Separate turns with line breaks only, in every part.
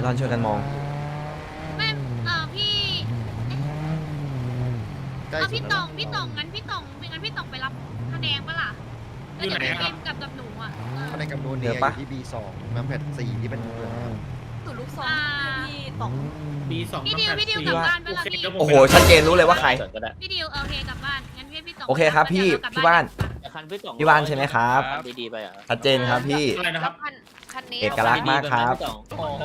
อนช่วยกันมอง
ไม่พี่พี่ตองงั้นพี่ตองไปรับคะแนนปะล่ะแล้วเดี๋ยวพี่เอ็มกับหนูอ่ะ
คะแนนกับโดนเนี่ยอยู่ที่ B2 น้ำแพท4ที่เป็นเหลือง
สูตรลูกซองพี่ตอง
B2
พี่ดิวกลับบ้านไปละพี่
โอ้โหชัดเจนรู้เลยว่าใคร
พี่ดิวโอเคกลับบ้านงั้นพี่ตอง
โอเคครับพี่บ้าน
คันพี่200
พี่บ้านใช่ไหมครับ
ดีๆไปอ่ะ
ชัดเจนครับพี่
อะไรนะครับ
คันนี้
เอกลักษณ์มากครับ
โอ้โห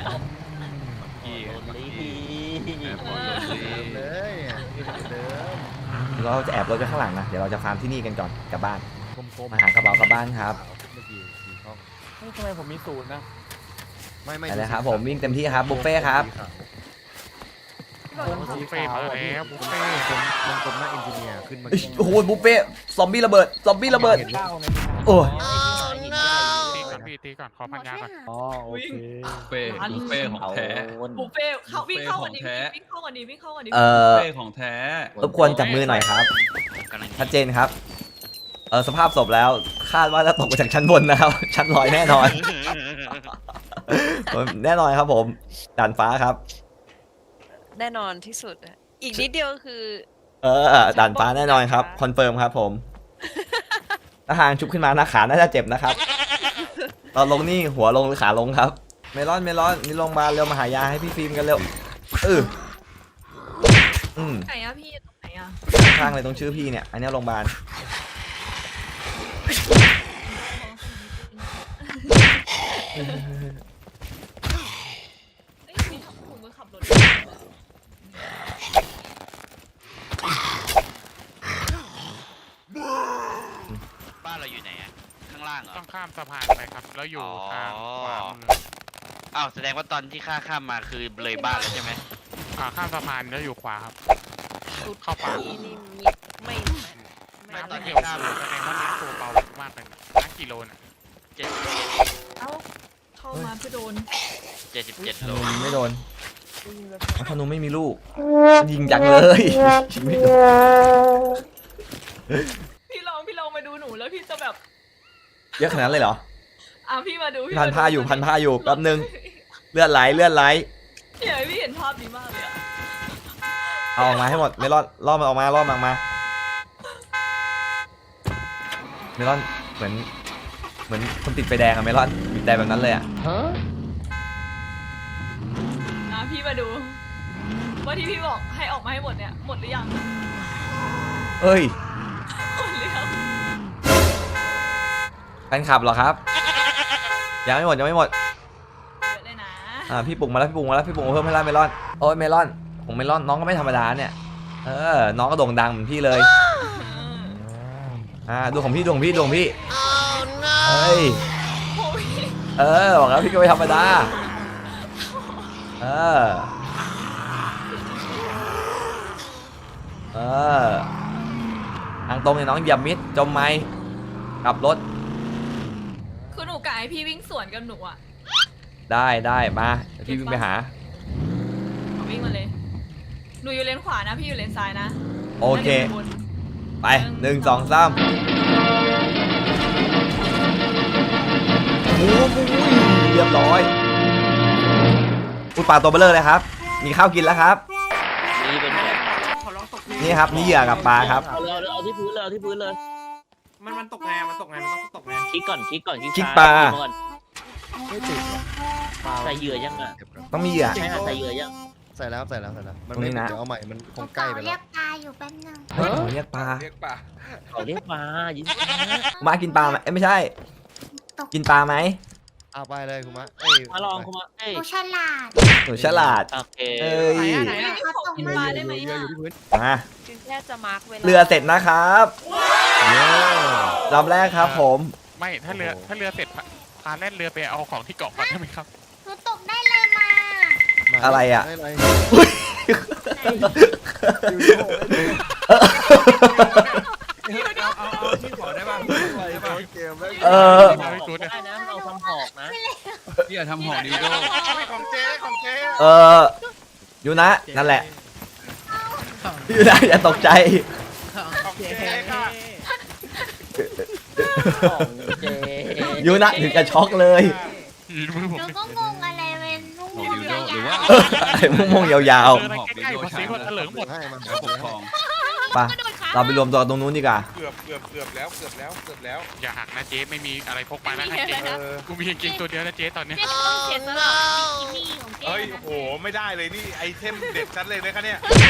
เลยเดิม
เราจะแอบรถไปข้างหลังนะเดี๋ยวเราจะฟาร์มที่นี่กันก่อนกลับบ้าน
กลมๆ
มาหากระเป๋ากลับบ้านครับ
เมื่อกี้4ช่อง
ทำไมผมมีศูนย์นะ
ไม่
ไปเลยครับผมวิ่งเต็มที่ครับบุฟเฟ่ครับ
บุฟเฟ่มาแล้วบุฟเฟ่
มันกลมหน้าเอนจิเนียร์ขึ้นมา
โอ้โหบุฟเฟ่ซอมบี้ระเบิดโอ้ย
ตีก่อนขอพันยาก่อน
อ๋อโอเค
บุฟเฟ่ของแท้
บุฟเฟ่เขาวิ่งเข้าวันนี้วิ่งเข้าวันนี้วิ่งเข้าวันนี้
บุฟเฟ่ของแท้
รบกวนจับมือหน่อยครับชัดเจนครับสภาพศพแล้วคาดว่าจะตกมาจากชั้นบนนะครับ ชั้นลอยแน่นอน แน่นอนครับผมด่านฟ้าครับ
แน่นอนที่สุดอีกนิดเดียวคือ
ด่านฟ้าแน่นอนครับคอนเฟิร์มครับผมถ้าหางชุบขึ้นมาหน้าขาน่าจะเจ็บนะครับตอนลงนี่หัวลงหรือขาลงครับเมลอนนี่ลงมาเร็วมาหายาให้พี่ฟิล์มกันเร็ว
ไหนอะพี่ตรงไหนอะ
ข้างเลยตรงชื่อพี่เนี่ยอันนี้โรงพยาบาล
ผมก็ขับรถ
บ้านเราอยู่ไหนอะข้างล่างเหรอ
ต้องข้ามสะพานไปครับแล้วอยู่ทางขวามือ
อ้าวแสดงว่าตอนที่ข้ามมาคือเลยบ้านแล้วใช่ไหม
ข้ามสะพานแล้วอยู่ขวาครับเข้าป่า
นี่ไม่
ไม่ตอนที่
เกี่ยว
ข้าม
แสดงว่านี้ตัวเบามากเลยนะกิโลน่ะ
เจ็ด
เอ้าเข้ามาเพื่อโดน
77 โล
ไม่โดนธนูไม่มีลูกยิงจังเลยยิงไม่โดน
พี่ลองมาดูหนูแล้วพี่จะแบบ
เยอะขนาดนั้นเลยเหรอ
พี่มาดู
พันผ้าอยู่แป๊บนึงเลือดไหล
เนี่ยพี่เห็นภาพดีมากเลยอะ
เอาออกมาให้หมดไม่รอดล่อมันออกมาเมลอนเหมือนคนติดไฟแดงอะเมลอนบีบแต่แบบนั้นเลยอะ
พี่มาดูว่าที่พี่บอกให้ออกมาให้หมดเนี่ยหมดหรือยัง
เอ้ย
หมดหรือยัง
แฟนคลับเหรอครับยังไม่หมด
เยอะเลยนะ
พี่ปลุกมาแล้วพี่ปลุกเพิ่มให้ละเมลอนโอ้ยเมลอนของเมลอนน้องก็ไม่ธรรมดาเนี่ยน้องก็โด่งดังเหมือนพี่เลยดูของพี่เฮ้ยบอกแล้วพี่ก็ไม่ธรรมดาทางตรงเนี่ยน้องเหยียบมิดจมไหมกลับรถ
คือหนูกะให้พี่วิ่งสวนกับหนูอะ
ได้มาเดี๋ยวพี่วิ่งไปหา
วิ่งมาเลยหนูอยู่เลนขวานะพี่อยู่เลนซ้ายนะ
โอเค
แล้วดี๋ยวหนูบน
ไป1 2 3โอ้โหเรียบร้อยอุดปากตัวเบลเลอร์เลยครับมีข้าวกินแล้วครับ
นี่เป็นแบบ
นี่ครับนี่เหยื่อกับปลาครับ
เอาที่พื้นเลย
มันตกไงมันต้องตกไง
คลิกก่อน
คลิกปลา
ไม่ติด
ใส่เหยื่อยังอ่ะ
ต้องมีเหยื่อ
ใช่ใส่เหยื่อยัง
ใส่แล้วมัน
ตรงนี้
ไม่
นะ
เดี๋ยวเอาใหม่มันคงใกล้ไป
เรี
แล้
ยว กตาอยู่แป๊บนึง
เฮ้ยผมเรียกปลา
เขาเรียกปลายิ้ม
มากินปลาไหมไม่ใช่ กินปลาไหม
เอาไปเลยคุณมะ
มาลองคุณมาเอ้ย
กูฉลาด
หนูฉลาด
โอเค
เอ้ย
ไหนอะพี่ขอกินปลาได้ไหม
เรือ
อะ
อยู่ที่พื้น
มา
จึงแค่จะมาร์กเวลา
เรือเสร็จนะครับลำแรกครับผม
ไม่ถ้าเรือเสร็จพาแล่นเรือไปเอาของที่เกาะก่อนได้ไหมครับ
หนูตกได้เลยมา
อะไรอะ
ได้ไร
เอาที่ขอได้ป่ะ
เกมแล้ว
ได้นะเราทำหอกนะ
พี่อย่าทำหอกดิวโด
ของเจ๊
อยู่นะนั่นแหละอยู่นะอย่าตกใจ
ของเจ๊ค่ะ
ของเจ
อยู่นะถึงกับช็อกเลย
มือผม
หนูก็งงอะไรเป็นลูก
หอกดิวว่า
ไอ้ม่วงๆยาว
เจออะไรใกล้ๆภาษีก็เถลิงหมด
ให้มัน
แล้วปกครอง
ๆไป
กระโดดขา
เราไปรวมตัวตรงนู้นดีกว่า
เกือบแล้วเกือบแล้ว
อย่าหักนะเจ๊ไม่มีอะไรพกมานะเจ๊ กูมีกางเกงตัวเดียวนะเจ๊ตอนเนี้ย
เจ๊ต้องเสียสละกิมี่ของเจ๊
เฮ้ย
นะ
โอ้โหไม่ได้เลยนี่ไอเทมเด็ดชัดเลยนะคะเนี่ย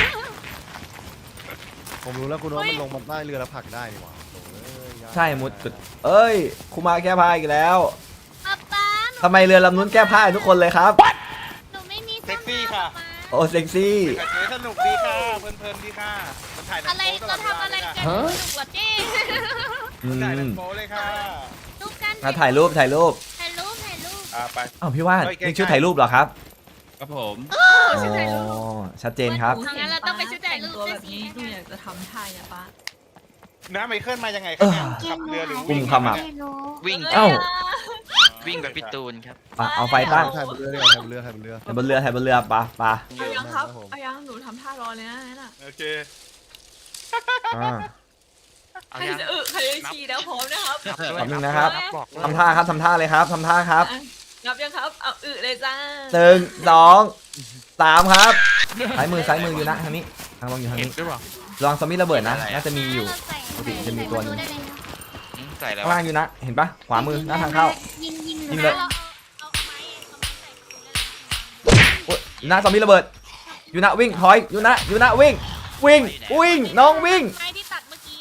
ผมรู้แล้วคุณว่ามันลงมาใต้เรือแล้วผลักได้นี่หว่าโถ่เอ้ยยาก
ใช่มุดจุดเอ้ยคุมาแก้ผ้าอีกแล้ว
ป๊าป๊า
ทำไมเรือลำนู้นแก้ผ้าให้ทุกคนเลยครับ
หนูไม่มี
เซ็กซี่ค่ะ
โอ้เซ็กซี่
กับเจ๊สนุกดีค่ะเพลินๆดีค่ะมันถ่ายหนั
อะ
ง
ไร
โป๊ตล
เรา
อดเวลา
ทำอะไร
เลย
กั
ค่ะ
นสนุกกว่าเจ๊
อื
ถ่ายหนัง
ม
โป๊เลยค่ะ
รูปกัน
มาถ่ายรูป
ถ่ายรูป
ไป
อ้าวพี่ว่าน
เฮ้ยใกล้ๆ
นี่ชุดถ่ายรูปเหรอครับ
ครับผม
อ๋อชัดเจนครับ
ทางนั้นเราต้องไปชุดถ่ายรูป
ตัว
ด้
แบ
วย
บ
สิ
นี้หนูอยากจะทำท่าเนี่ยป้า
น้าไมเคิลมายังไงครับเนี่ยขับเรือหรือ
กุ
วิ่
ม
ง
ขมับ
วิ่ง
เอ้า
วิ่งแบบพี่ตูนครับ
เอาไฟตั้ง
ถ่ายบนเรือดีกว่าถ่ายบนเรือถ่ายบนเรือ
ถ่ายบนเรือถ่ายบนเรือปะ
เอายังครับเอายังหนูทำท่ารอเลยนะนั่นน่ะ
โอเค
อ่า
เอา
ใคร
ยัง
จะใครจะขี่แล้วพร้อมนะครับ
แป๊บนึงนะครับ
บอกเลย
ทำท่าครับทำท่าเลยครับทำท่าครับ
งับยังครับเอาเลยจ้า
1 2 3ครับซ้ายมืออยู่นะทางนี้ทางลงอยู่ทาง
เห็น
นี้
ด้วยเปล่า
ลองซอมบี้ระเบิดนะน่าจะมีอยู่ ปกติจะมีตัวหนึ่ง
ใส่แล้ว
ข้างล่างอยู่นะ เห็นปะขวามือหน้าทางเข้า
ยิง
ยิงเลย
เอาไม้ใส่
โอ๊ยอยู่นะซอมบี้ระเบิดอยู่นะวิ่งถอยอยู่นะวิ่งน้องวิ่ง
ไม้ที่ตัดเมื่อกี้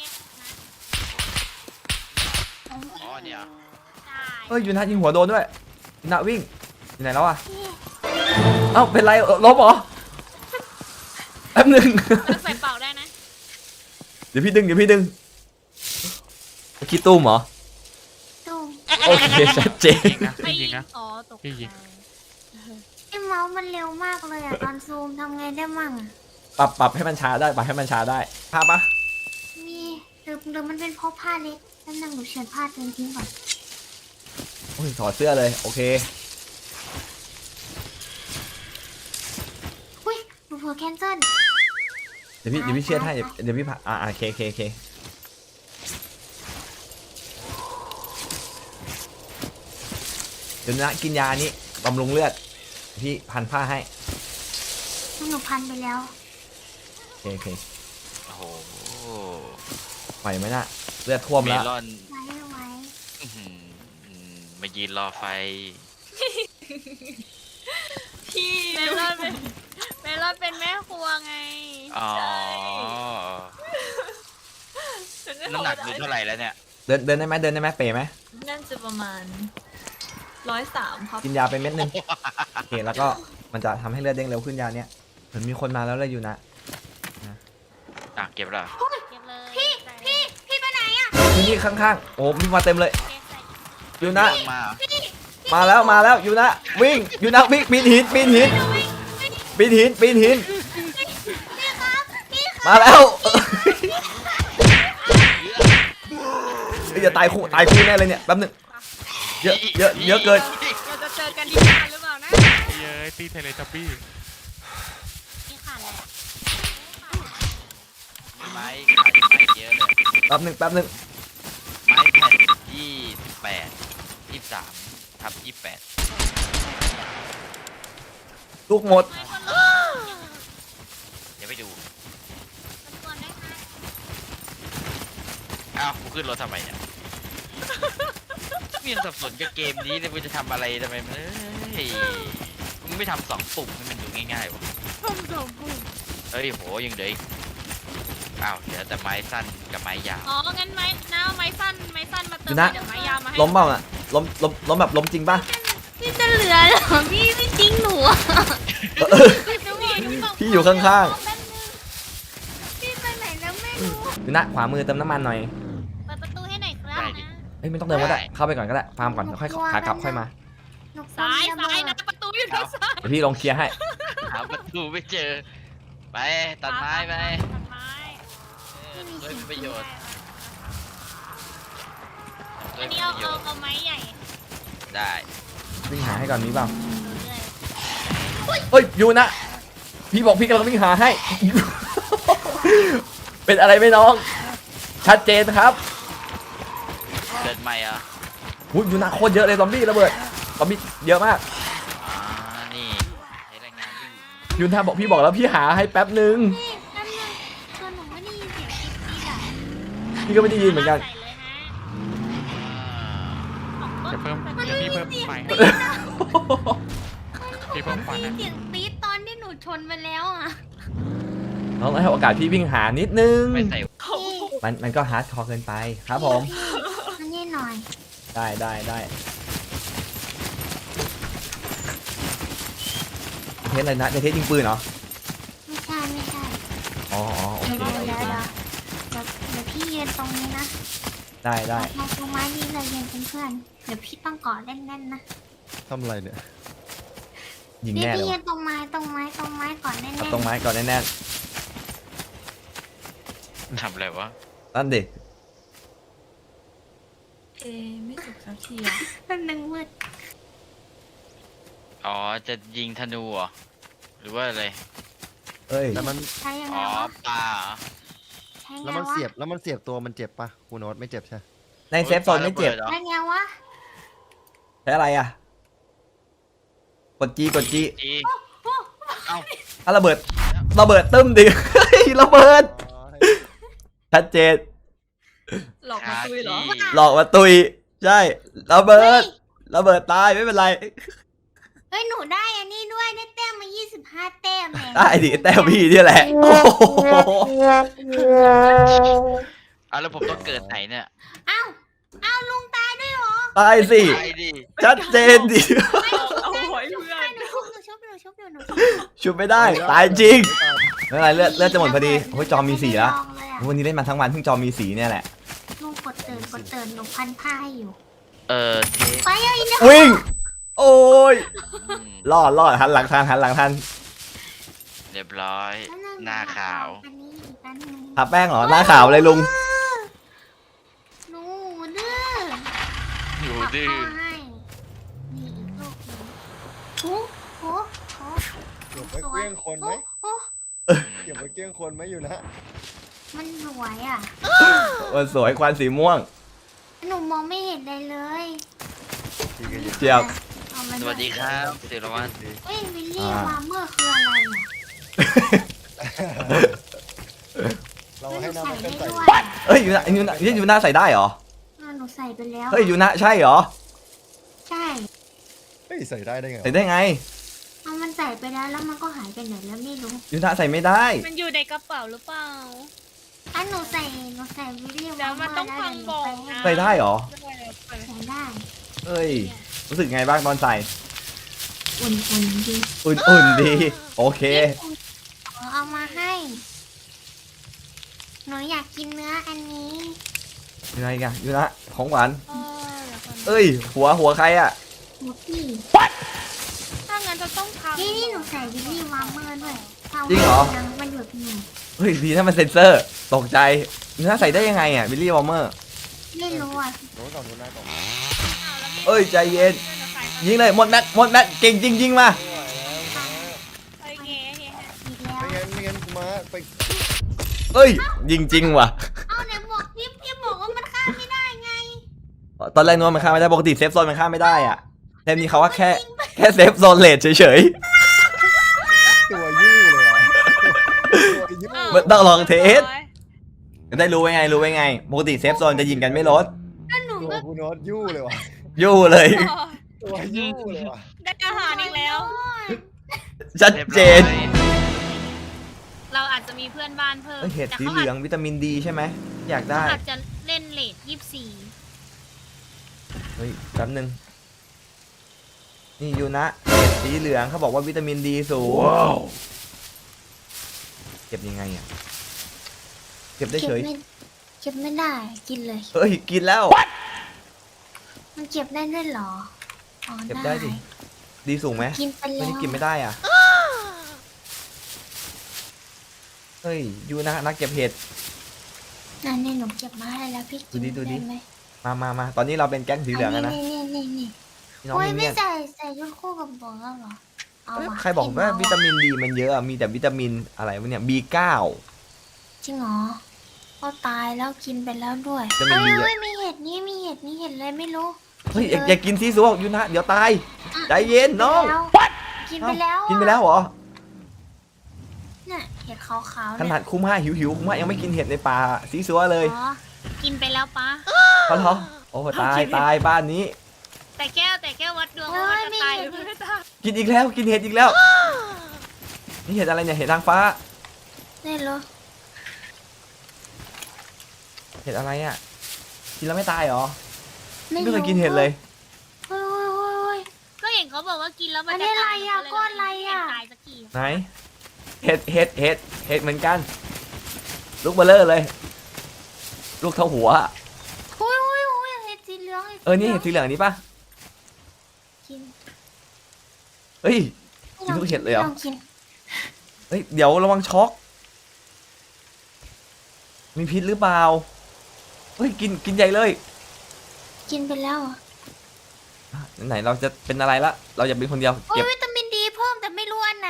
อ๋อเนี่ย
ใช่
เอ้ยอยู่นะยิงหัวโดนด้วยอยู่นะวิ่งอยู่ไหนแล้วอะเอ้าเป็นไรลบเหรอแป๊บนึง
เราใส่เป่าได้นะ
เดี๋ยวพี่ดึงคิดตุ้มเหรอ
ตุ้ม
โอเคชัดเจน
ยิงนะพี่ยิงนะ
อ๋อตก
พี่ยิง
ไอ้เมาส์มันเร็วมากเลยอ่ะ ตอนซูมทำไงได้มั่งอะ
ปรับให้มันช้าได้ปรับให้มันช้าได้ภาพปะ
มีหรือมันเป็นเพราะผ้าเล็กนั่นนึงหนูเฉือนผ้าตัวเองทิ้งก่อน
โอ้ยถอดเสื้อเลยโอเค
อุ้ยหนูเผลอแคนเซิล
เดี๋ยวพี่เชื่อให้เดี๋ยวพี่ผ่าโอเคเดี๋ยวนะกินยานี้บำรุงเลือดพี่พันผ้าให้
หนูพันไปแล้ว
โอเค
โอ้โห
ไหวไหมน่ะเลือดท่วม
เม
แล้ว
ลอน
ไว้
อื้อหือมายืนรอไฟ
พี่
เมลอนเป็นแม่ครัวไง
อ๋อ น้ำหนักดูเท่าไหร่แล้วเนี่ย
เดินได้ไหมเป๋ไหม
นั่นจะประมาณ103ครับ
กินยาไปเม็ดนึงโอเคแล้วก็มันจะทำให้เลือดเด้งเร็วขึ้นยาเนี้ยเหมือนมีคนมาแล้วเลยอยู่นะ
เก็บแล้ว
เก็บเลย
พี่ไปไหนอ่ะ
ที่นี่ข้างๆโอ้มีมาเต็มเลย
เก็บใส่
อยู่นะ
มา
มาแล้วอยู่นะวิ่งอยู่นะวิ่งปีนหินมาแล้วเอ้ยอย่าตายคู่แน่เลยเนี่ยแป๊บนึงเยอะเกิน
เราจะเจอกันที่บ้านหรือเปล่านะ
เย้ยตีเทเลทับบี้
นี่ขาดแหละ
ไม้ขาดไม้เยอะเลย
แป๊บนึง
ไม้แผ่น28 23/28
ลูกหมด
ไม่คนละ
เดี๋ยวไปดู
มันควรได้ค่ะ
อ้าวกูขึ้นรถทำไมเนี่ยมีสับสนกับเกมนี้เลยกูจะทำอะไรทำไมมันเอ้ยมึงไม่ทำ2 ปุ่มให้มันดูง่ายๆวะ
ทำสองปุ่ม
เฮ้ยโหยังเหลืออีกอ้าวเหลือแต่ไม้สั้นกับไม้ยาว
อ๋องั้นไม้น้าเอาไม้สั้นมาเติม
ดูนะ
เดี๋ยวไม้ยาวมาให้
ล้มเปล่าน่ะล้มแบบล้มจริงป่ะ
พี่จะเหลือเหรอพี่ไม่จริงหนูอะ
พี่อยู่ข้าง
แป๊บนึงพี่ไปไหนแล้วไม่รู้
ๆอยู่นะขวามือเติมน้ำมันหน่อย
เปิดประตูให้หน่อยครับนะ
เอ้ยไม่ต้องเดินก็ได้เข้าไปก่อนก็ได้ฟาร์มก่อนเดี๋ยวค่อยขากลับค่อยมา
หนูกลัว
ซ้าย
มีระเบิด
นะประตูอยู่ทางซ้าย
เดี๋ยวพี่ลองเคลียร์ให้
หาประตูไม่เจอ ไปตัดไม้ไป
ตัดไม้
ด้วยมีประโยชน์ด้ว
อั
ย
น
มี
นี้
ประโยชน์
เอาไม้ใหญ่
ได้
วิ่งหาให้ก่อนมีเปล่า
เรื่อย
เฮ้ยอยู่นะพี่บอกพี่กำลังวิ่งหาให้ เป็นอะไรไหมน้อง ชัดเจนครับ
เดินใหม่เหรอ
อุ้ยอยู่นะโคตรเยอะเลยซอมบี้ระเบิดซอมบี้เยอะมาก
นี่ใช้แรงงาน
ยุนทาบอกพี่บอกแล้วพี่หาให้แป๊บนึง
พี่แป๊บนึงตัวหนูไม่ได้ยินเสียงกิ๊กกิ๊กอ่ะ
พี่ก็ไม่ได้ยินเหมือนกัน
ใส่เลยฮะ
จะเพิ่มเดี๋ยวพี่เพิ่มไฟพี่เพิ่มไฟ
เสียงปี๊ดตอนที่หนูชนไปแล้วอ่ะ
น้องให้โอกาสพี่วิ่งหานิดนึง
ไม่ใส่
พี่
มันก็ฮาร์ดคอร์เกินไปครับผม
อันนี้หน่อย
ได้เทสอะไรนะจะเทสยิงปืนเหรอ
ไม่ใช่
อ๋อโอเค
เดี๋ยวพี่ยืนตรงนี้นะ
ได้
มาตรงไม้นี้เลยยืนเป็นเพื่อนเดี๋ยวพี่ต้องกอดแน่นๆนะ
ทำอะไรเนี่ย
ยิง
พี่
แน่เล
พี่
ย
ยื
ว่ะ
นตรงไม้ก่อนแน่น
เอาตรงไม้ก่อนแน่น
ทำอะไรวะ
ๆนั่นดิ
ไม่สุกสักทีอะ
ๆเป็นหนึ่งมืด
อ๋อจะยิงธนูเหรอหรือว่าอะไร
เอ้ย
แล้วมัน
ใช้ยังไง
อ๋อ
วะ
ปลาเหรอ
ใช้ไง
แล้วมัน
วะ
เสียบตัวมันเจ็บปะคุณโน้ตไม่เจ็บใช่
ในเซฟโซนไม่เจ็บ
ปลาระบิดหรอ
ใช้ไงวะ
ใช้อะไรอ่ะกดจี
จี
ระเบิดตึ้มดิ เฮ้ยระเบิดชัดเจน
หลอกมาตุยเหรอ
หลอกมาตุยใช่ระเบิดตายไม่เป็นไร
เฮ้ยหนูได้อันนี้ด้วยได้แต้มมา25แต้มแหม
ได้ดิแต่พี่นี่แหละโอ้โห
อ่ะแล้วผมต้องเกิดไหนเนี่ย
เอ้าลุงตายด้วยเหรอ
ตายสิ
ไปดิ
ชัดเจนดิ
เอาไว้เพื่อน
หนูชุบ
ชุบไม่ได้ตายจริงไม่เป็นไรเลือดจะหมดพอดีโอ้ยจอมีสีแล้ว
ลองเลยอะ
วันนี้เล่นมาทั้งวันเพิ่งจอมีสีเนี่ยแหละ
ลุงกดเตือนหนูพันผ้าให้อยู่
เจ๊
ไปเอาอีกแล้ว
วิ่งโอ้ย
อืม
รอดหันหลังทัน
เรียบร้อย หน้าขาว
อันนี้อีกอันหนึง
ทาแป้งเหรอหน้าขาวเลยลุง
หนูดื้อ
อยู่
ปัก
ดื้อ
เข้าให้นี่อีกลูกหนึงโอ้โห
เก็บไว้เกลี้ยงคนไหม
โอ้
เก็บไว้เกลี้ยงคนไหมอยู่นะ
มันสวยอ่ะ
มันสวยควันสีม่วง
หนูมองไม่เห็นเลยเลย
เจี๊ยบ
เอามา
สวัสดีครับศิรวัตร
เฮ้ยวิลลี่วาร์เมอร์คืออะไรอ่ะ
เราให้น้ำมัน
ใส่
เกิน
ได้
ใส่
ด้วย
เอ้ยยูน่าใส่ได้เหรอ
หนูใส่ไปแล้ว
เฮ้ยยูน่าใช่เหรอ
ใช่
เฮ้ยใส่ได้ได้ไง
ใส่ได้ไง
เอามันใส่ไปแล้วมันก็หายไปไหนแล้วไม่รู้
ยูน่าใส่ไม่ได้
มันอยู่ในกระเป๋าหรือเปล่า
อ่ะหนูใส่วิลลี่
เดี๋ยวมันต้องฟังบอกนะ
ใส่ได้เหรอ
ใส่ได้
เอ้ยรู้สึกไงบ้างตอนใส่
อุ่นๆดี
อุ่นๆดีโอเค
เอามาให้หนูอยากกินเนื้ออันนี้
ยังไงกันยูน่าของหวาน
เดี๋ยวก่อน
เอ้ยหัวใครอ่ะ
หมูพี่
ถ้างั้นจะต้องทำ
นี่หนูใส่วิลลี่วาร์เมอร์ด้วยถ้า
จริงเหรอ
ยังมันหยุดหนู
เฮ้ยดีถ้ามันเซ็นเซอร์ตกใจยูน่าใส่ได้ยังไงอ่ะบิลลี่วอร์เมอร์
ไม่รู้อ่ะ
โน้ตก่อนโน้ตหน้าก่อน
เอ้ยใจเย็นยิงเลยหมดแม็กเก่งจริงยิงมา
ไม่ไหวแล้วนะ
โอเค
อีกแล้ว
ไม่งั้นกูมาไป
เอ้ยยิงจริงว่ะ
เอาไหนบอกพี่บอกว่ามันข้ามไม่ได้ไง
ตอนแรกนึกว่ามันข้ามไม่ได้ปกติเซฟโซนมันข้ามไม่ได้อ่ะเทมนี้เขาว่าแค่เซฟโซนเลทเฉย
ตัวยู่เลยว่ะตัวยู่
ๆมันต้องลองเทสได้รู้ไว้ไงปกติเซฟโซนจะยิงกันไม่ลด
ก็หนู
ตัว
ก็
กูโน้ตยู่เลยว่ะ
ยู่เลย
ตัวยู่เลยว่ะ
ได้อาหารอีกแล้ว
ชัด
เรียบ
เจ
ร้อย
น
เราอาจจะมีเพื่อนบ้านเพิ่ม
เอ้ยเห็ด
แต่
สี
เขา
เหลืองวิตามินดีใช่ไหมอยากได้
อาจจะเล่นเลท24
เฮ้ยแป๊บนึงนี่ยูนะเห็ดสีเหลืองเขาบอกว่าวิตามินดีสูงเก็บยังไงอ่ะเก็บได้เฉย
เก็บไม่ได้กินเลย
เฮ้ยกินแล้ว
มันเก็บได้ด้วยเหรออ๋อ
เก็บได้ดิดีสูงไหม
กินไป
ไม่
แล้ว
ได้กินไม่ได้อ่ะเฮ้ยยูนะนักเก็บเห็ด
นั่นนี่หนูเก็บมาให้แล้วพี่กิน
ดูดิ
ได้ไหม
มาตอนนี้เราเป็นแก๊งสีเหลืองแล้วนะ
นี่
พี่น้อง
โอ้ย
มิน
ไม่
เนี่ยน
ใส่ชุดคู่กับบอกแล้วเหรอเอา
เอ้ย
ว่ะ
ใครบอกว่าวิตามินดีมันเยอะอะมีแต่วิตามินอะไรวะเนี่ย B9
จริงเหรอก็ตายแล้วกินไปแล้วด้วย
จะไม่มีเยอะ
เฮ้ยมีเห็ดนี่มีเห็ดอะไรไม่รู้
เฮ้ยอย่ากินซีซัวยูนะเดี๋ยวตายใจเย็นน้อง
กินไปแล้ว
กินไปแล้วเหรอ
เห็ดขาวๆ
ข
เนี่ย
นาดคุ้มห้าหิวคุ้มห้ายังไม่กินเห็ดในป่าซีซัวเลย
อ๋อกินไปแล้วปะ
เขาเหรอโอ้ตายตายบ้านนี้
แต่แก้ววัดดวงว่ามันจะตายหรือไม่ตาย
กินอีกแล้วกินเห็ดอีกแล้วนี่เห็ดอะไรเนี่ยเห็ดนางฟ้า
นี่เหรอ
เห็ดอะไรอ่ะกินแล้วไม่ตายเหรอ
ไม่
ไม่เคยกินเห็ดเลย
โอ้ย
ก็เห็นเขาบอกว่ากินแล้วมัน
อันนี้
จะตาย
อะไรอะก้อนอะไรอะ
ม่เห็นตายสักที
ไหนเห็ดเหมือนกัน ลูกเบลเลอร์เลย ลูกเท่าหัว
โอ้ยเห็ดสีเหลือง
นี่เห็ดสีเหลืองนี้ปะ
กิน
เฮ้ย กินทุกเห็ดเลยเหรอ
ลองกิน
เฮ้ยเดี๋ยวระวังช็อกมีพิษหรือเปล่าเฮ้ยกินใหญ่เลย
กินไปแล้วอะ
ไหนเราจะเป็นอะไรละเราจะเป็นคนเดียว
โอ้
เก็
ย
บ
วิตามินดีเพิ่มแต่ไม่รู้อันไหน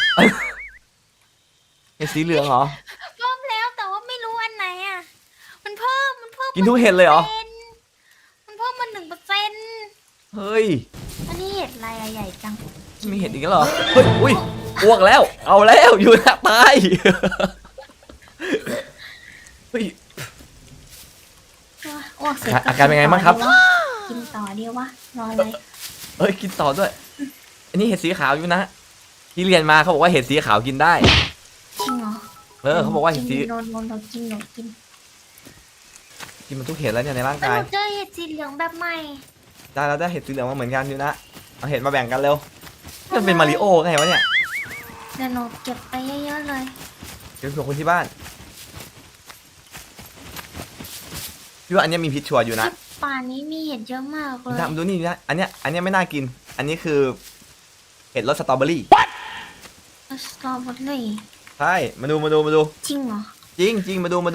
เห็ดสีเหลืองเหรอ
เพิ่มแล้วแต่ว่าไม่รู้อันไหนอ่ะมันเพิ่ม
กินทุกเห็ดเลยเหรอ
มันเพิ่มมา1%
เฮ้ย
อันนี้เห็ดอะไรอะใหญ่จัง
มีเห็ดอีกแล้วเหรอเฮ้ยอุ้ยอ้วกแล้วเอาแล้วอยู่นะตายเฮ้ย
อ้วกเสร็จ
อาการเป็นไงบ้างครับ
กินต่อดีวะรอเลย
เฮ้ยกินต่อด้วย อันนี้เห็ดสีขาวอยู่นะที่เรียนมาเขาบอกว่าเห็ดสีขาวกินได้
จริงเหรอ
เขาบอกว่าเห็ดสี
โดนกิน
กินมันทุกเห็ดแล้วเนี่ยในร่าง
แต่
กา
ห
ย
นูเจอเห็ดสีเหลืองแบบใหม่
ได้แล้วได้เห็ดสีเหลืองมาเหมือนกันอยู่นะเอาเห็ดมาแบ่งกันเร็วมันเป็นมาริโอไงวะเนี่ย
เดี๋ยวหนูเก็บไปเยอะๆเลย
เดี๋ยวเผื่อคนที่บ้านพี่ว่าอันเนี้ยมีพิษชัวร์อยู่นะ
ป่านี้มีเห็ดเยอะมากเลย
นะมาดูนี่นะอันเนี้ยไม่น่ากิน อันนี้คือเห็ดรสสตรอเบอรี่
สตรอเบอรี่
ใช่มาดู
จริงเหรอ
จริงมาดู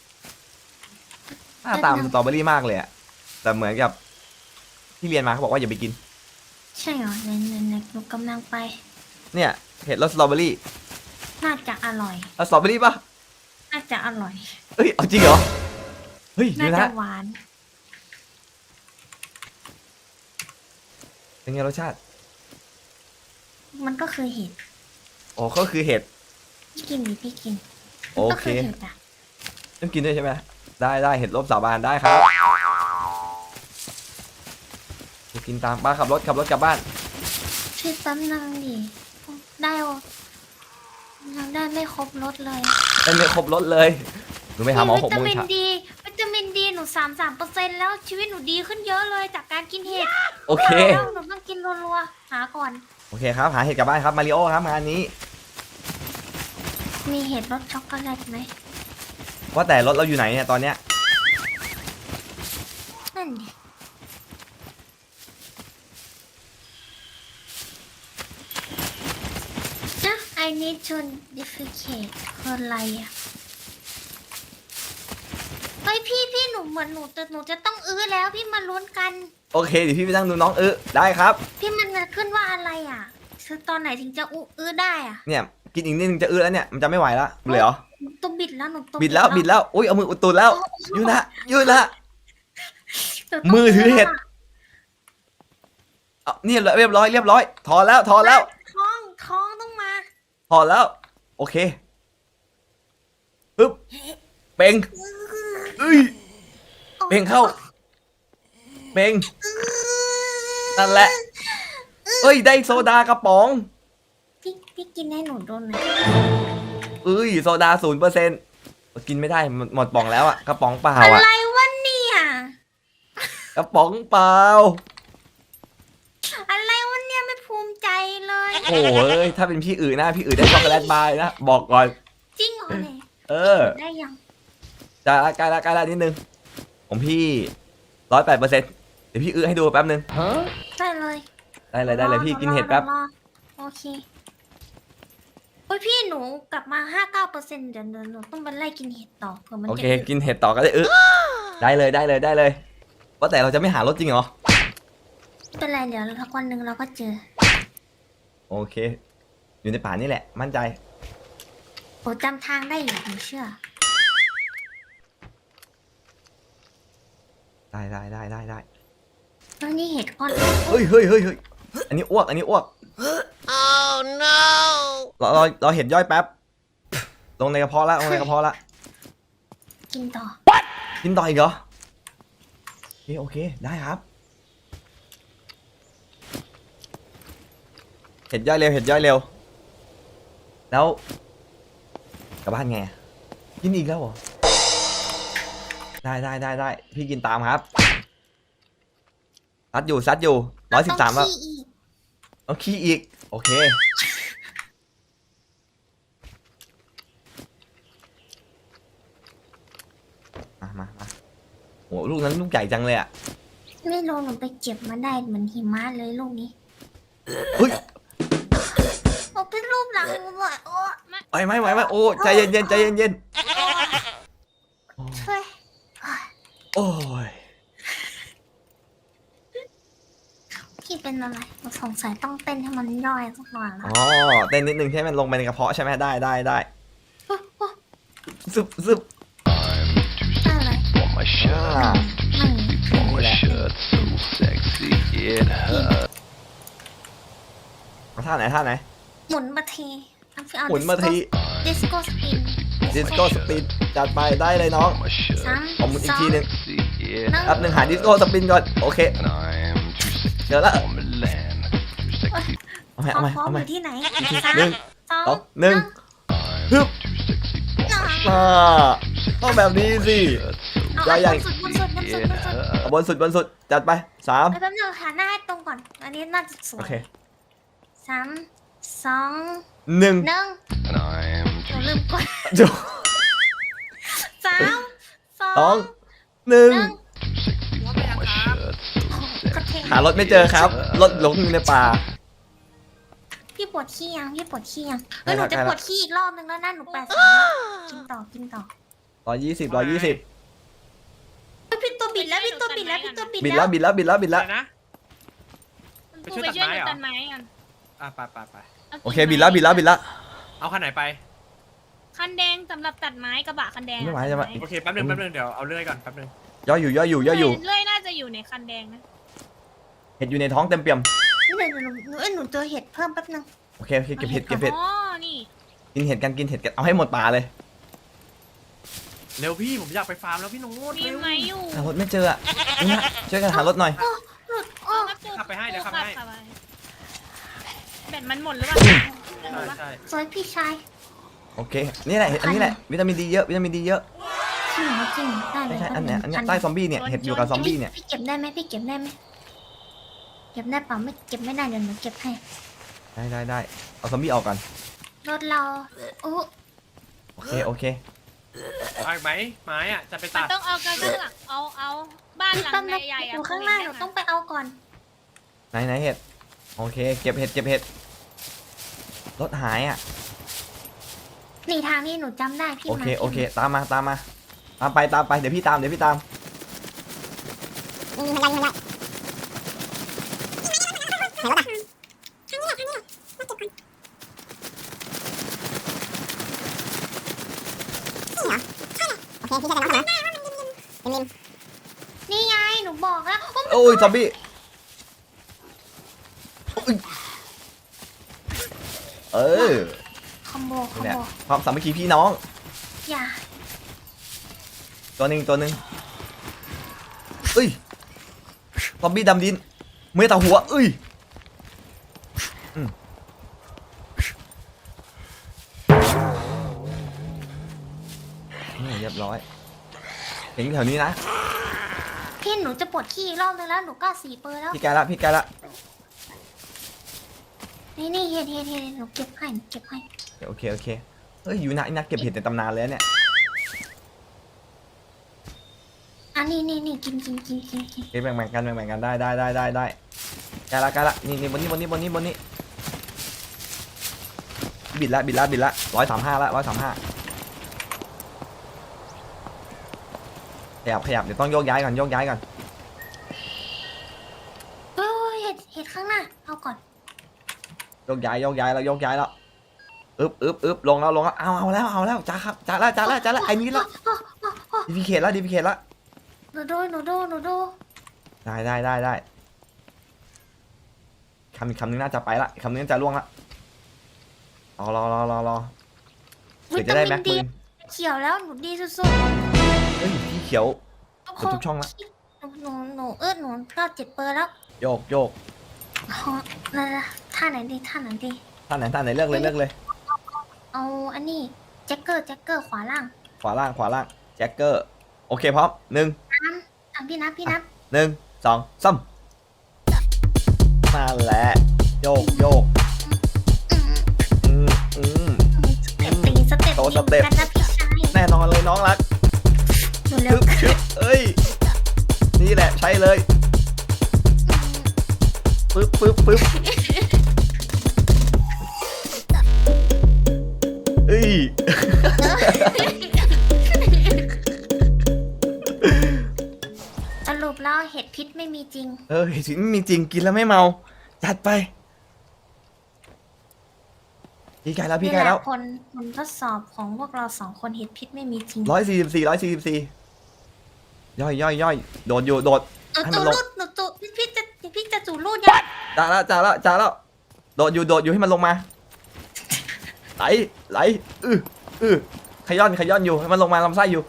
หน้าตามนสตรอเบอรี่มากเลยอะแต่เหมือนกับที่เรียนมาเขาบอกว่าอย่าไปกิน
ใช่เหรอไหนหนูกำลังไป
เนี่ยเห็ดรสสตรอเบอรี่
น่าจะอร่อย
เอาสตรอเบอรี่ปะ
น่าจะอร่อย
เฮ้ยเอาจริงเหรอเฮ้ย
น่า
ดู
จะ
นะ
หวาน
เป็นไงรสชาติ
มันก็คือเห็ด
อ๋อก็คือเห็ด
พี่กินดิพี่กิน
โอ
ก็
เค
คือเห็ดอะ
ต้องกินด้วยใช่ไหมได้เห็ดลบสาบานได้ครับจะกินตามป้าขับรถกลับบ้าน
ช่วยแป๊บนึงดิได้วะยังได้ไม่ครบรถเลย
ได้ไม่ครบรถเลยหนูไปหาหมอ6 โมง
วิ
เช้า
วิตามินดีหนู33%แล้วชีวิตหนูดีขึ้นเยอะเลยจากการกินเห็ด
โอเค
แล้วหนูต้องกินรัวๆหาก่อน
โอเคครับหาเห็ดกลับบ้านครับมาริโอครับงานนี้
มีเห็ดรสช็อกโกแลตไหม
ว่าแต่รถเราอยู่ไหนเนี่ยตอนเนี้ย
นั่นดินะ I need to defecate คืออะไรอ่ะเฮ้ยพี่หนูเหมือนหนูจะต้องอื้อแล้วพี่มาลุ้นกัน
โอเคเดี๋ยวพี่ไปนั่งดูน้องได้ครับ
พี่มันจะขึ้นว่าอะไรอ่ะคือตอนไหนถึงจะอื้อได้อ่ะ
เนี่ยกินอีกนิดนึงจะแล้วเนี่ยมันจะไม่ไหวละเลยเหรอ
หนูตัวบิดแล้วหนูตัว
บิดแล้วอุ้ยเอามืออุดตูดแล้วยืนละ
หนูต้อง
มือถือเห็ด เอานี่เรียบร้อยถอนแล้ว
ท้องต้องมา
ถอนแล้วโอเคปึ๊บเป่งเอ้ยเป่งเข้าเป่งนั่นแหละเอ้ยได้โซดากระป๋อง
พี่กินให้หนูดูหน่อย
เอ้ยโซดา0%กินไม่ได้หมดป๋องแล้วอะกระป๋องเปล่า
อะ
อะ
ไรวะเนี่ย
กระป๋องเปล่า
อะไรวะเนี่ยไม่ภูมิใจเลย
โอ้ยถ้าเป็นพี่อื่นนะพี่อื่นได้ช็อกโกแลตบาร์นะบอกก่อน
จริงเหรอเนี่ย ได้ยัง
จะใกล้ละนิดนึงของพี่108%เดี๋ยวพี่ให้ดูแป๊บนึง
ได้เลย
ได้เลยพี่กินเห็ดแป๊บ
รอโอเคโอ้ยพี่หนูกลับมา59%เดี๋ยวหนูต้องไปไล่กินเห็ดต่อเผื่อมัน
โอ
จะ
เคกินเห็ดต่อก็ได้ได้เลยว่าแต่เราจะไม่หารถจริงเหรอ
ไม่เป็นไรเดี๋ยวสักวันหนึ่งเราก็เจอ
โอเค อยู่ในป่านี่แหละมั่นใจ
โอ้จำทางได้อยู่หนูเชื่อ
ได้
แล้วนี่เห็ดก้อน
เฮ้ยอันนี้อ้วก oh no เราเห็ดย่อยแป๊บลงในกระเพาะละลงในกระเพาะละ
กินต่อ
กินต่ออีกเหรอโอเคได้ครับเห็ดย่อยเร็วเห็ดย่อยเร็วแล้วกลับบ้านไงกินอีกแล้วเหรอได้พี่กินตามครับซัดอยู่113แล้วเอาขี้อีกโอเคมาโหลูกนั้นลูกใหญ่จังเลยอ่ะ
ไม่รู้หนูไปเก็บมาได้เหมือนหิมะเลยลูกนี้
เฮ้ย
โอ้เป็นรูปหลังหนูหน่อยโอ้
ไม่โอ้ใจเย็น
ช่วย
โอ้ย
พี่เป็นอะไรหนูสงสัยต้องเต้นให้มันย่อยสักหน่อยละ
อ๋อเต้นนิดนึงให้มันลงไปในกระเพาะใช่ไหมได้
โอ้โอ้
ซึบ
อะไร
อ่า
ไม่
นี่แหละเอาท่าไหน
หมุนมาที
หมุนมาที
ดิสโก้สปิน
ดิสโก้สปินจัดไปได้เลยน้อง
สาม
เอาหมุนอีกทีหนึง
หนึ่ง
แป๊บหนึงหาดิสโก้สปินก่อนโอเคเดี๋ยวละเอาใหม่
พร้อมอยู่ที่ไหน
ห
สาม
นึ่ง
สอง
สองหนึ่งฮึบต้องแบบนี้สิ
เอา
ใหญ่
บนสุด
เอาบนสุดจัดไป3
ไปแป๊บนึงหาหน้าให้ตรงก่อน อันนี้น่าจะสว
โอย เค
สามสอง
1
หนึ่งหนูลืมกด
จุ
สามสอ
สอง งหนึ่ง
กระเทง
หารถไม่เจอครับรถหลงอยู่ในป่า
พี่ปวดขี้ยังปวดขี้ยัง
ได้
หนู
ครับ
จะ
ได้
ป
แล้ว
วดขี้อีกรอบนึงแล้วนะหนู80กินต่อ
120
เฮ้ยพี่ตัวบิดแล้ว
บิดแล้ว
นะ
กูไปช่วยดูตันไม้กัน
ไป
โอเคบิดแล้ว
เอาคันไหนไป
คันแดงสำหรับตัดไม้กระบะคันแดง
ไม่ไหวจะมา
โอเคแป๊บนึงเดี๋ยวเอาเลื่อยก่อนแป๊บนึง
ย่อยอยู่
เลื่อยน่าจะอยู่ในคันแดงนะ
เห็ดอยู่ในท้องเต็มเปี่ยม
นี่เดี๋ยวหนูเจอเห็ดเพิ่มแป๊บนึง
โอเคเก็บเห็ด
อ๋อนี่
กินเห็ดกันเอาให้หมดป่าเลย
เร็วพี่ผมอยากไปฟาร์มแล้วพี่โน้ต
มี
เร็ว
ไหมอยู่
หารถไม่เจออ่ะนี่นะช่วยกันหารถหน่อย
หลุด
อ๋อ
ขับไปให้เดี๋ยวขับไปให้
แบตมันหมดหรือเปล่า
ใช่
สวยพี่ชาย
โอเคนี่แหละอันนี้แหละวิตามินดีเยอะ
จริงเหรอได้เล
ไม่
ย
ใช่อันเนี้ยใต้ซอมบี้เนี่ยเห็ดอยู่กับซอมบี้เนี่ย
พี่เก็บได้ไหมเก็บได้เปล่าไม่เก็บไม่ได้เดี๋ยวหนูเก็บให้
ได้เอาซอมบี้ออกก่อน
รถเราโอ้
โอเค
เอาอีกไหมไม้อะจะไป
มัน
ตัด
ต้องเอากระเบื้องเอาบ้านหลัง
แป๊บนึง
ใหญ่ๆ
อยู่ข้างหน้าหนูต้องไปเอาก่อน
ไหนเห็ดโอเคเก็บเห็ดรถหายอ่ะ
นี่ทางนี้หนูจำได้พี่
โอเคตามมาตามไปเดี๋ยวพี่ตาม
นี่ไงหนูบอกแล้ว
โอ้ยซอมบี้
คอมโบ
นี่แหละความสามัคคีพี่น้อง
อย่า
ตัวหนึ่งเอ้ยซอมบี้ดำดินเมื่อตาหัวเอ้ยนี่เรียบร้อยเห็นแถวนี้นะ
พี่หนูจะปวดขี้อีกรอบนึงแล้วหนูก็4 เปอร์แล้ว
พี่แกละ
นี่เห็ดหนูเก็บให้
โอเคเฮ้ยอยู่นักเก็บเห็ดในตำนานเลยเนี่ย
อันนี้กิน
เก็บแบ่งกันได้แกละนี่บนนี้บิดละ135ละ135ขยับเดี๋ยวต้องโยกย้ายก่อน
โอ้ยเห็ดข้างหน้าเอาก่อน
โยกย้ายแล้วอึบลงแล้วเอาแล้วจ้าแล้วไอ้นี้แล้วดีพีเคแล้ว
หนูดู
ได้คำนึงน่าจะไปละคำนึงน่าจะล่วงละรอเผื่อจะได้แม็ก
ดี
ปืน
เขียวแล้วหนูดีสุด
เฮ้ยพี่เขียว
ๆทุก
เดี๋ยวทุกช่องละ
หนูหนูก็7 เปอร์แล้ว
โยกโยก
อ๋อนั่นนะท่าไหนดีท่าไหนดี
ท่านไหนเลือกเลยเลือกเลย
เอาอันนี้แจ็คเกอร์ขวาล่าง
ขวาล่างแจ็คเกอร์โอเคพร้อม1
พี่นับ
1 2 3นั่นแหละโยกโยก
อืม สเต็ป
โตสเต็ป
กันนะพี่ชาย
แน่นอนเลยน้องรัก
หนูเร็
ชึ
ว
บชึบเอ้ยนี่แหละใช่เลยปึ๊บเอ้ย
สรุปแล้วเห็ดพิษไม่มีจริง
จริงไม่มีจริงกินแล้วไม่เมาจัดไปพี่ไกลแล้ว
นี่แหละผลทดสอบของพวกเรา2 คนเห็ดพิษไม่มีจริง
144ย่อยโดดอยู่โดด ให้มัน
จู
ลง
รูดหนูจูพี่จะจูรูดยัง
จ่าแล้วโดดอยู่ให้มันลงมาไหลขย้อนอยู่ให้มันลงมาลำไส้อยู่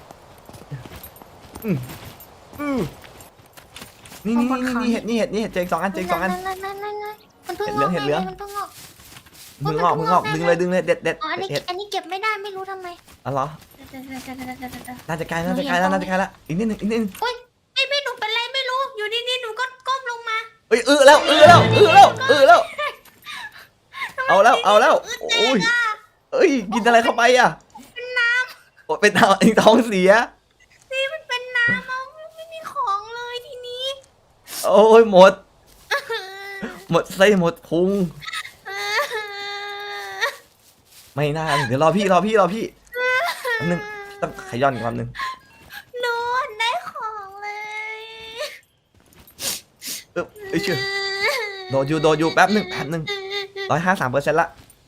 นี่เห็ดเจง2 อัน
นั่นมันเพิ่งงอก
เห็ดเหลือง
มันเพิ่งงอก
มึงงอกดึงเลยเด็ด
อ๋ออันนี้เก็บไม่ได้ไม่รู้ทำไม
อ๋อเหรอน่าจะใกล้แล้วอีกนิดนึง
ไม่หนูเป็นไรไม่รู้อยู่ดีๆหนูก็ก้มลงมา
เอ้ยแล้วเอาแล้วโอ้ยเอ้ยกินอะไรเข้าไปอ่ะเป็นน้ำเป็นท้องเสีย
นี่มันเป็นน้ำเอาไม่มีของเลยทีนี้
โอ้ยหมดไส้หมดพุงไม่น่าเดี๋ยวรอพี่แป๊บนึงต้องขย้อนอีกคำนึง
หนูได้ของเลย
เอ้ยเชื่อโดดอยู่แป๊บนึง153%ละ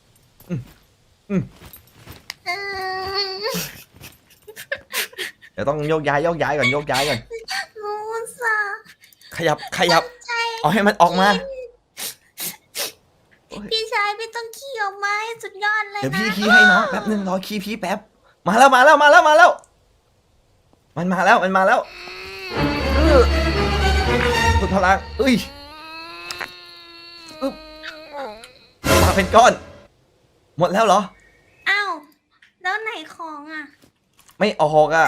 เดี๋ยวต้องโยกย้ายก่อน
หนูสา
ขยับเอาให้มันออกมา
พี่ชายพี่ต้องขี่ออกมาให้สุดยอดเลย
เดี๋ยว
นะ
พี่คีย์ให้น้องแป๊บนึงรอคีย์พี่แป๊บมาแล้วมันมาแล้วสุดพลังมาเป็นก้อนหมดแล้วเหรอ
อ้าวแล้วไหนของอ่ะ
ไม่ออกอ่ะ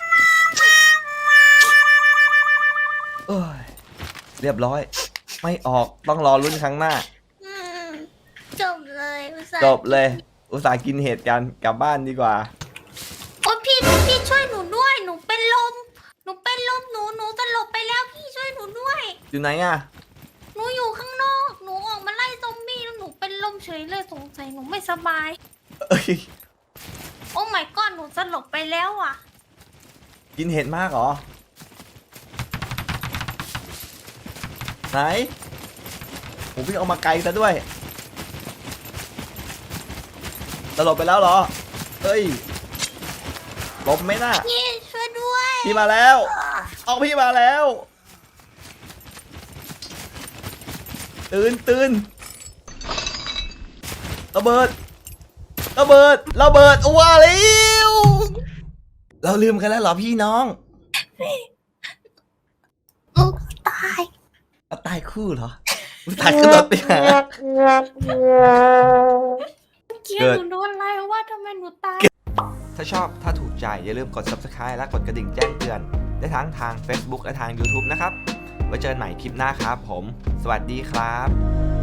เรียบร้อยไม่ออกต้องรอลุ้นครั้งหน้า
จบเลยอุตส่า
จ
ห์
บเลยอุตส่าห์กินเห็ดกันกลับบ้านดีกว่า
โอ้พี่ช่วยหนูด้วยหนูเป็นลมหนูสลบไปแล้วพี่ช่วยหนูด้วย
อยู่ไหนอ่ะ
หนูอยู่ข้างนอกหนูออกมาไล่ซอมบี้แล้วหนูเป็นลมเฉยเลยสงสัยหนูไม่สบาย
เอ้ย
โอ้ my god หนูสลบไปแล้วอ่ะ
กินเห็ดมากเหรอไหนผมพี่เอามาไกลซะด้วยตลบไปแล้วเหรอเอ้ยหลบไหมน่ะ
พี่ช่วยด้วย
พี่มาแล้วเอาพี่มาแล้วตื่นระเบิดว้าแล้วเราลืมกันแล้วเหรอพี่น้อง
ลูกตาย
ตายคู่เหรอตายขึ้นรถไปหา
เกลียดหนูโดนอะไรว่าทำไมหนูตาย
ถ้าชอบถ้าถูกใจอย่าลืมกด subscribe และกดกระดิ่งแจ้งเตือนได้ทั้งทาง Facebook และทาง YouTube นะครับไว้เจอกันใหม่คลิปหน้าครับผมสวัสดีครับ